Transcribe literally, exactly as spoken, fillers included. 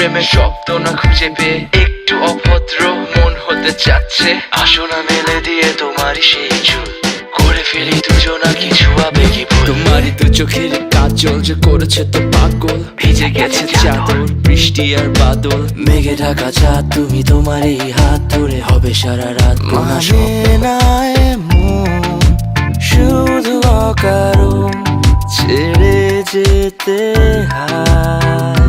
প্রেমের শব্দ না খুঁজে পেয়ে একটু অভদ্র মন হতে চাচ্ছে। আসো না মেলে দিয়ে তোমারই সেই চুল, করে ফেলি দুজনা কিছু আবেগী ভুল। তোমারই তো চোখের কাজল যে করেছে তো পাগল, ভিজে গেছে চাদর বৃষ্টি আর বাদল। মেঘে ঢাকা চাঁদ তুমি তোমার এই হাত ধরে হবে সারা রাত। মানে না এমন শুধু অকারণ ছেড়ে যেতে হয়।